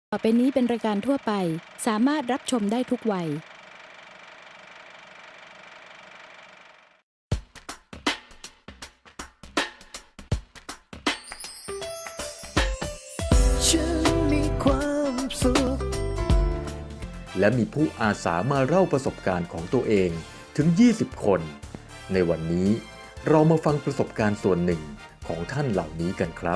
ต่อไปนี้เป็นรายการทั่วไปสามารถรับชมได้ทุกวัยฉันมีความสุขและมีผู้อาสามาเล่าประสบการณ์ของตัวเองถึง 20 คน ในวันนี้เรามาฟังประสบการณ์ส่วนหนึ่งของท่านเหล่านี้กันครับ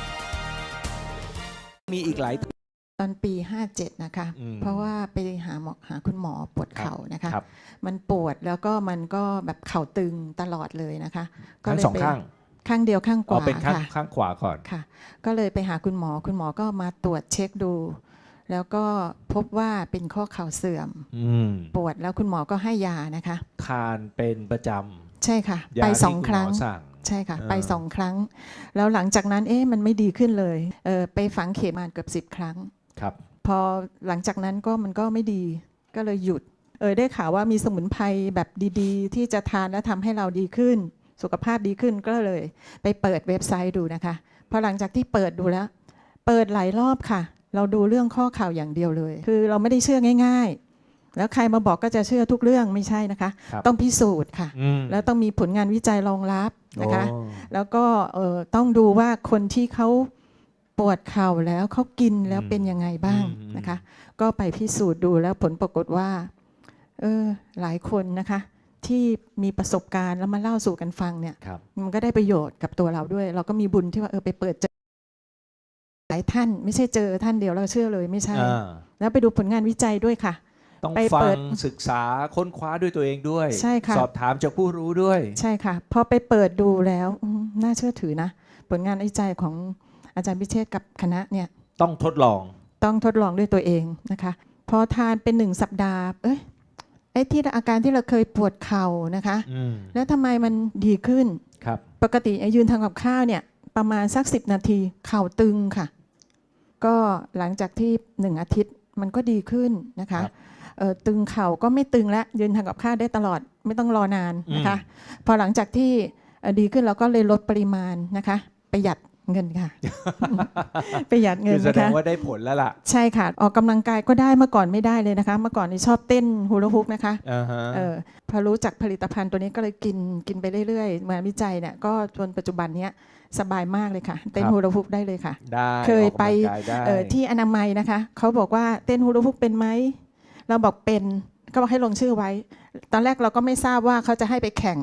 มีอีกหลายตอนปี 57 นะคะเพราะว่าไปหาคุณหมอปวดเข่านะคะมันปวดแล้วก็มันก็แบบเข่าตึงตลอดเลยนะคะทั้งสองข้างข้างเดียวข้างขวาเป็นข้างขวาก่อนค่ะก็เลยไปหาคุณหมอก็มาตรวจเช็คดู แล้วก็พบว่าเป็นข้อเข่าเสื่อมปวดแล้วคุณหมอก็ให้ยานะคะทานเป็นประจำใช่ค่ะไป2 ครั้งใช่ค่ะไป2 ครั้งแล้วหลังจากนั้นมันไม่ดีขึ้นเลยไปฝังเข็มมาเกือบ10 ครั้งครับพอหลังจากนั้นมันก็ไม่ดีก็เลยหยุดได้ข่าวว่ามีสมุนไพรแบบดีๆที่จะทานแล้วทำให้เราดีขึ้นสุขภาพดีขึ้นก็เลยไปเปิดเว็บไซต์ดูนะคะพอหลังจากที่เปิดดูแล้วเปิดหลายรอบค่ะเราดูเรื่องข้อข่าวอย่างเดียวเลยคือเราไม่ได้เชื่อง่ายๆแล้วใครมาบอกก็จะเชื่อทุกเรื่องไม่ใช่นะคะต้องพิสูจน์ค่ะแล้วต้องมีผลงานวิจัยรองรับนะคะแล้วก็ต้องดูว่าคนที่เขาปวดเข่าแล้วเขากินแล้วเป็นยังไงบ้างนะคะก็ไปพิสูจน์ดูแล้วผลปรากฏว่าหลายคนนะคะที่มีประสบการณ์แล้วมาเล่าสู่กันฟังเนี่ยมันก็ได้ประโยชน์กับตัวเราด้วยเราก็มีบุญที่ว่าไปเปิดเจอหลายท่านไม่ใช่เจอท่านเดียวเราเชื่อเลยไม่ใช่แล้วไปดูผลงานวิจัยด้วยค่ะต้องฟังศึกษาค้นคว้าด้วยตัวเองด้วยใช่ค่ะสอบถามจากผู้รู้ด้วยใช่ค่ะพอไปเปิดดูแล้วน่าเชื่อถือนะผลงานวิจัยของอาจารย์พิเชษกับคณะเนี่ยต้องทดลองด้วยตัวเองนะคะพอทานเป็น1 สัปดาห์ที่อาการที่เราเคยปวดเข่านะคะแล้วทำไมมันดีขึ้นปกติยืนทำกับข้าวเนี่ยประมาณสัก10 นาทีเข่าตึงค่ะก็หลังจากที่1 อาทิตย์มันก็ดีขึ้นนะคะตึงเข่าก็ไม่ตึงแล้วยืนทำกับข้าวได้ตลอดไม่ต้องรอนานนะคะพอหลังจากที่ดีขึ้นเราก็เลยลดปริมาณนะคะประหยัดเงินค่ะ ประหยัดเงินนะคะแสดงว่าได้ผลแล้วล่ะใช่ค่ะออกกำลังกายก็ได้เมื่อก่อนไม่ได้เลยนะคะเมื่อก่อนนี่ชอบเต้นฮูลาฮูปนะคะพอรู้จักผลิตภัณฑ์ตัวนี้ก็เลยกินไปเรื่อยๆมาวิจัยเนี่ยก็จนปัจจุบันนี้สบายมากเลยค่ะเต้นฮูลาฮูปได้เลยค่ะเคยไปที่อนามัยนะคะเขาบอกว่าเต้นฮูลาฮูปเป็นไหมเราบอกเป็นก็บอกให้ลงชื่อไว้ตอนแรกเราก็ไม่ทราบว่าเขาจะให้ไปแข่ง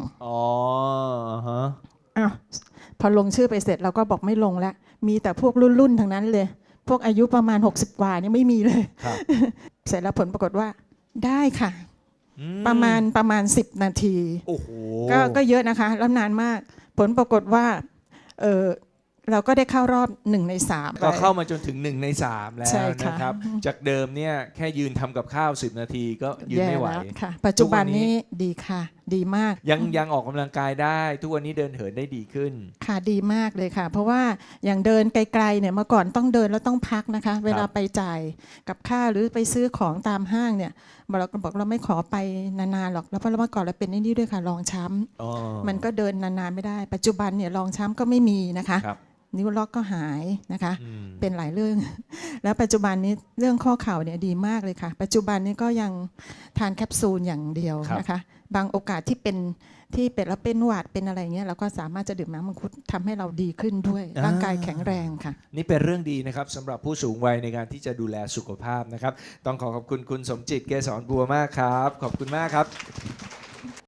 พอลงชื่อไปเสร็จเราก็บอกไม่ลงแล้วมีแต่พวกรุ่นทั้งนั้นเลยพวกอายุประมาณ60 กว่านี่ไม่มีเลยเสร็จแล้วผลปรากฏว่าได้ค่ะประมาณ10 นาทีก็เยอะนะคะแล้วนานมากผลปรากฏว่าเราก็ได้เข้ารอบ1 ใน 3 ก็เข้ามาจนถึง1 ใน 3แล้วนะครับจากเดิมเนี่ยแค่ยืนทำกับข้าว10 นาทีก็ยืนไม่ไหวค่ะปัจจุบันนี้ดีค่ะดีมากยังออกกำลังกายได้ทุกวันนี้เดินเหินได้ดีขึ้นค่ะดีมากเลยค่ะเพราะว่าอย่างเดินไกลๆเนี่ยเมื่อก่อนต้องเดินแล้วต้องพักนะคะเวลาไปจ่ายกับค่าหรือไปซื้อของตามห้างเนี่ยเราก็บอกเราไม่ขอไปนานๆหรอกแล้วเพราะเมื่อก่อนเราเป็นนี่ด้วยค่ะรองช้ำมันก็เดินนานๆไม่ได้ปัจจุบันเนี่ยรองช้ำก็ไม่มีนะคะนิ้วล็อกก็หายนะคะเป็นหลายเรื่องแล้วปัจจุบันนี้เรื่องข้อเข่าเนี่ยดีมากเลยค่ะปัจจุบันนี้ก็ยังทานแคปซูลอย่างเดียวนะคะบางโอกาสที่เป็นแล้วเป็นหวัดเป็นอะไรเงี้ยเราก็สามารถจะดื่มน้ำมังคุดทำให้เราดีขึ้นด้วยร่างกายแข็งแรงค่ะนี่เป็นเรื่องดีนะครับสำหรับผู้สูงวัยในการที่จะดูแลสุขภาพนะครับต้องขอบคุณคุณสมจิตเกษรบัวมากครับขอบคุณมากครับ